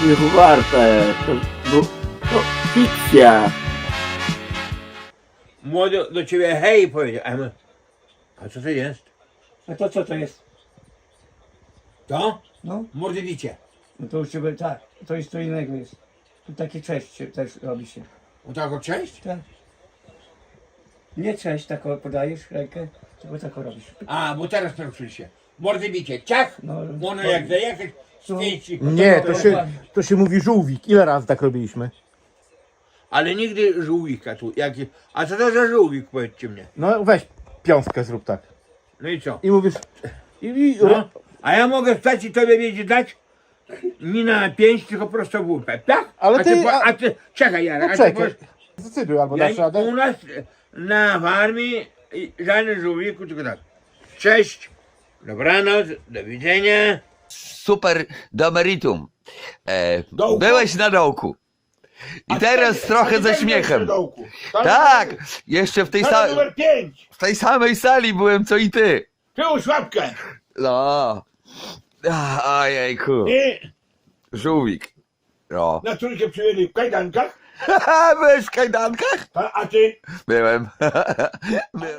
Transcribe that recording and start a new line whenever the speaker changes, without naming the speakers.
śmiechu warte. To fikcja.
Młody do ciebie hej powiedział. A co to jest?
A to co to jest?
To?
No,
Mordowicie.
no to już ciebie, tak, to jest co innego jest. Tu takie cześć się też robi się.
O taką cześć?
Tak. Nie cześć, tak podajesz rękę, tylko tak robisz.
A, bo teraz poruszyli się. Mordowicie. Ciach!
No,
Można jak zajechać, zdjęci.
Nie, to się mówi żółwik. Ile razy tak robiliśmy?
Ale nigdy żółwika tu. A co to za żółwik, powiedzcie mnie.
No weź piątkę zrób tak.
No i co?
I mówisz...
No. A ja mogę wstać i tobie wiedzieć dać? Nie na 5, tylko prosto w łupę, tak?
Ale
a
ty-
a ty czekaj, Jarek,
No
a ty
czekaj.
powiesz,
Zdecyduj, albo dasz
ja,
radę.
u nas na farmie żadnym żółwiku, tylko tak. Cześć, dobranoc, do widzenia.
Super do meritum.
Dołku?
Byłeś na dołku. I teraz trochę ze śmiechem.
Tak.
Tak, jeszcze
numer 5,
w tej samej sali byłem co i ty.
przyłóż łapkę.
No. Ojejku.
I
Żółwik. No.
na trójkę przyjęli w kajdankach,
Byłeś w kajdankach?
a ty?
Byłem.